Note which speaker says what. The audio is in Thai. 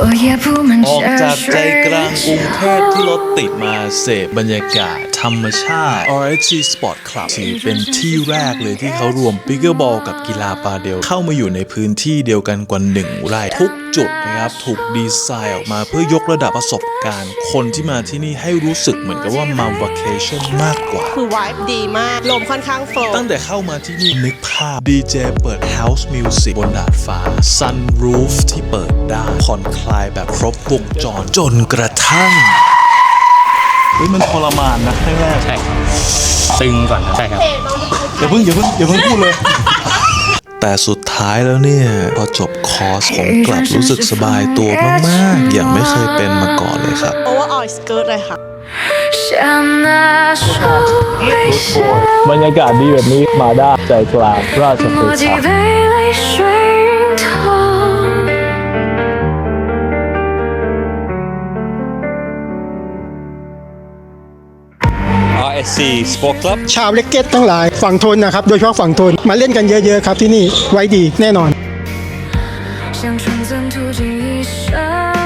Speaker 1: ออกจากใจกลางกรุงเทพที่รถติดมาเสพบรรยากาศธรรมชาติ RSG Sport Club ที่เป็นที่แรกเลยที่เขารวมปิกเกอร์บอลกับกีฬาปาเดลเข้ามาอยู่ในพื้นที่เดียวกันกว่า1 ไร่ทุกจุดนะครับถูกดีไซน์ออกมาเพื่อยกระดับประสบการณ์คนที่มาที่นี่ให้รู้สึกเหมือนกับว่ามา vacation มากกว่า
Speaker 2: คือวายดีมากลมค่อนข้างโฟล์
Speaker 1: ตั้งแต่เข้ามาที่นี่นึกภาพดีเจเปิด House Music บนดาดฟ้า Sunroof ที่เปิดได้ผ่อนคลายแบบครบวงจรจนกระทั่งมันทรมานนะแรก
Speaker 3: ใช่ครับตึงก่อนครับใช่ครับ
Speaker 1: อย่าเพิ่งพูดเลยแต่สุดท้ายแล้วเนี่ยพอจบคอร์สผมกลับรู้สึกสบายตัวมากๆอย่างไม่เคยเป็นมาก่อนเลยครับ
Speaker 2: โอเวอร์ออยส์เกิร์ตเลยค่ะ
Speaker 4: บรรยากาศดีแบบนี้มาได้ใจกลางราชพฤกษ์
Speaker 3: Sport Club
Speaker 5: ชาวเล็กเก็ตทั้งหลายฝั่งทนนะครับโดยเฉพาะฝั่งทนมาเล่นกันเยอะๆครับที่นี่ไว้ดีแน่นอน
Speaker 6: 像纯真途径一生